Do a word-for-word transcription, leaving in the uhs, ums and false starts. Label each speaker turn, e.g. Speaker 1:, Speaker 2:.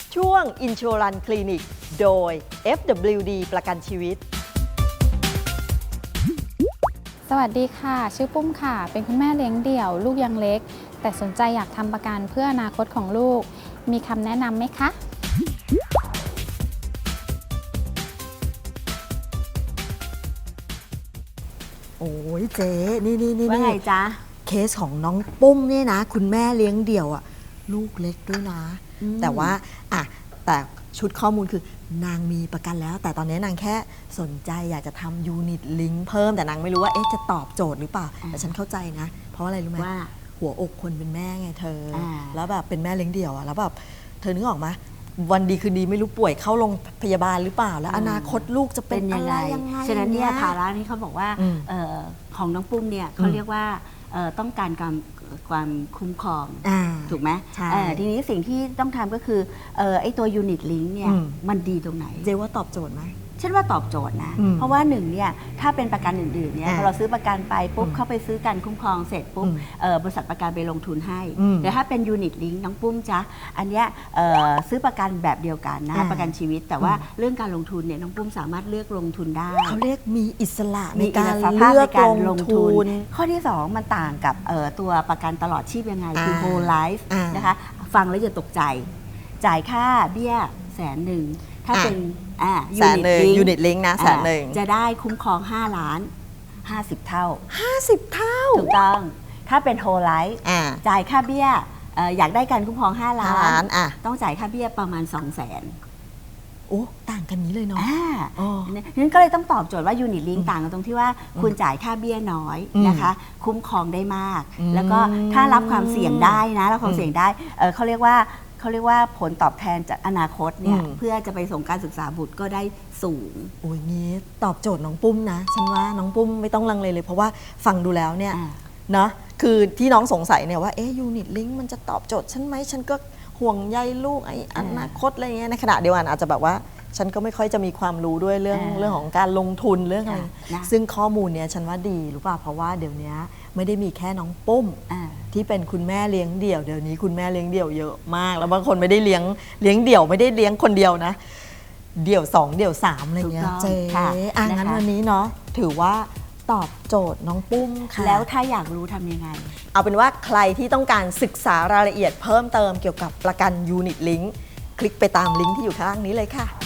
Speaker 1: ช่วง Insurance Clinic โดย เอฟ ดับเบิลยู ดี ประกันชีวิต
Speaker 2: สวัสดีค่ะชื่อปุ้มค่ะเป็นคุณแม่เลี้ยงเดี่ยวลูกยังเล็กแต่สนใจอยากทำประกันเพื่ออนาคตของลูกมีคำแนะนำไหมคะ
Speaker 1: โอ้ยเจ๊นี่นี่นี่
Speaker 3: ว่าไงจ๊ะ
Speaker 1: เคสของน้องปุ้มเนี่ยนะคุณแม่เลี้ยงเดี่ยวอะลูกเล็กด้วยนะแต่ว่าอะแต่ชุดข้อมูลคือนางมีประกันแล้วแต่ตอนนี้นางแค่สนใจอยากจะทำยูนิตลิงก์เพิ่มแต่นางไม่รู้ว่าเอ๊ะจะตอบโจทย์หรือเปล่าแต่ฉันเข้าใจนะเพราะอะไรรู้ไหม
Speaker 3: ว่า
Speaker 1: หัวอกคนเป็นแม่ไงเธอ
Speaker 3: อ่า
Speaker 1: แล้วแบบเป็นแม่เลี้ยงเดี่ยวอะแล้วแบบเธอนึกออกไหมวันดีคืนดีไม่รู้ป่วยเข้าโรงพยาบาลหรือเปล่าแล้วอนาคตลูกจะเป็
Speaker 3: เป็น น
Speaker 1: อะ
Speaker 3: ยัง
Speaker 1: ไร
Speaker 3: ไง
Speaker 1: ยังไง
Speaker 3: ฉะนั้นเนี่ย
Speaker 1: างงี้
Speaker 3: ภาระนี้เขาบอกว่า
Speaker 1: อืม
Speaker 3: เอ่อของน้องปุ้มเนี่ยเขาเรียกว่าเอ่อต้องการความความคุ้มครอง
Speaker 1: อ่า
Speaker 3: ถูกไหม
Speaker 1: ใช่
Speaker 3: เอ่อทีนี้สิ่งที่ต้องทำก็คือเอ่อไอ้ตัวยูนิตลิงก์เนี่ย
Speaker 1: อืม
Speaker 3: มันดีตรงไหน
Speaker 1: เจว่าตอบโจทย์ไหม
Speaker 3: ฉันว่าตอบโจทย์นะ
Speaker 1: อืม
Speaker 3: เพราะว่าหนึ่งเนี่ยถ้าเป็นประกันอื่นๆเนี่ย
Speaker 1: อ่า
Speaker 3: พอเราซื้อประกันไปปุ๊บ
Speaker 1: อืม
Speaker 3: เข้าไปซื้อการคุ้มครองเสร็จปุ๊บ
Speaker 1: อืม
Speaker 3: เอ่อบริษัทประกันไปลงทุนให้
Speaker 1: อืม
Speaker 3: แต่ถ้าเป็นยูนิตลิงก์น้องปุ้มจ๊ะอันเนี้ยเอ่อซื้อประกันแบบเดียวกันนะ
Speaker 1: อ่า
Speaker 3: ประกันชีวิต แต่ว่า
Speaker 1: อืม
Speaker 3: เรื่องการลงทุนเนี่ยน้องปุ้มสามารถเลือกลงทุนได้
Speaker 1: เขาเรียกมีอิสระใน
Speaker 3: มีอิ
Speaker 1: กา
Speaker 3: ส
Speaker 1: ร
Speaker 3: รภาพ
Speaker 1: เลื
Speaker 3: ใน
Speaker 1: อก
Speaker 3: การ
Speaker 1: ล
Speaker 3: ล
Speaker 1: ง
Speaker 3: ง
Speaker 1: ทุ
Speaker 3: ทุ
Speaker 1: น
Speaker 3: น ข้อที่ สอง มันต่างกับเอ่อตัวประกันตลอดชีพยังไง คือ
Speaker 1: อ่า
Speaker 3: whole life
Speaker 1: อ่าน
Speaker 3: นะคะ ฟังแล้วอย่าตกใจ จ่ายค่าเบี้ยแสนหนึ่ง ถ้า
Speaker 1: อ่ะ
Speaker 3: เป็นอ่า
Speaker 1: แสนหนึ่ง
Speaker 3: Unit Link
Speaker 1: ยูนิตลิงก์นะแสนหนึ่ง
Speaker 3: อ่าจะได้คุ้มครอง ห้า ล้าน ห้าสิบ เท่า
Speaker 1: ห้าสิบเท่า
Speaker 3: ถูกต้อง ถ้าเป็น whole life
Speaker 1: อ่า
Speaker 3: จ่ายค่าเบี้ยเอ่ออยากได้การคุ้มครอง ห้า ล้า
Speaker 1: ห้าล้าน นอ่ะ
Speaker 3: ต้องจ่ายค่าเบี้ยประมาณ สองแสน
Speaker 1: โอ้ต่างกันนี้เลยเนาะ
Speaker 3: อ่า
Speaker 1: อ๋อ
Speaker 3: นั้นก็เลยต้องตอบโจทย์ว่ายูนิตลิงต่างกันตรงที่ว่าคุณจ่ายค่าเบี้ยน้อย
Speaker 1: อืม
Speaker 3: นะคะ คุ้มครองได้มาก
Speaker 1: อืม
Speaker 3: แล้วก็ถ้ารับความเสี่ยงได้นะรับความเสี่ยงได้เอ่อเขาเรียกว่าเขาเรียกว่าผลตอบแทนจากอนาคตเนี่ย
Speaker 1: อืม
Speaker 3: เพื่อจะไปส่งการศึกษาบุตรก็ได้สูง
Speaker 1: โอ้ยงี้ตอบโจทย์น้องปุ้มนะ ฉันว่าน้องปุ้มไม่ต้องลังเลเลย เพราะว่าฟังดูแล้วเนี่ย
Speaker 3: อ่า
Speaker 1: เนาะคือที่น้องสงสัยเนี่ยว่าเอ๊ะยูนิตลิงก์มันจะตอบโจทย์ฉันไหมฉันก็ห่วงใยลูกไอ้อนาคตอะไรเงี้ยในขณะเดียวกันอาจจะแบบว่า ฉันก็ไม่ค่อยจะมีความรู้ด้วยเรื่อง
Speaker 3: อ่า
Speaker 1: เรื่องของการลงทุนเรื่องอะไร
Speaker 3: นะ
Speaker 1: ซึ่งข้อมูลเนี้ยฉันว่าดีรู้ป่ะเพราะว่าเดี๋ยวนี้ไม่ได้มีแค่น้องปุ้ม
Speaker 3: อ่า
Speaker 1: ที่เป็นคุณแม่เลี้ยงเดี่ยวเดี๋ยวนี้คุณแม่เลี้ยงเดี่ยวเยอะมาก แล้วบางคนไม่ได้เลี้ยงเลี้ยงเดี่ยวไม่ได้เลี้ยงคนเดียวนะ เดี่ยวสองเดี่ยวสามอะไรเงี้ย
Speaker 3: ถูกต้อง
Speaker 1: เจ๊
Speaker 3: ค่ะ
Speaker 1: อ่ะ
Speaker 3: นะคะ
Speaker 1: งั้นวันนี้เนาะถือว่าตอบโจทย์น้องปุ้มค่ะ
Speaker 3: แล้วถ้าอยากรู้ทำยังไง
Speaker 1: เอาเป็นว่าใครที่ต้องการศึกษารายละเอียดเพิ่มเติมเกี่ยวกับประกันยูนิตลิงก์คลิกไปตามลิงก์ที่อยู่ข้างล่างนี้เลยค่ะ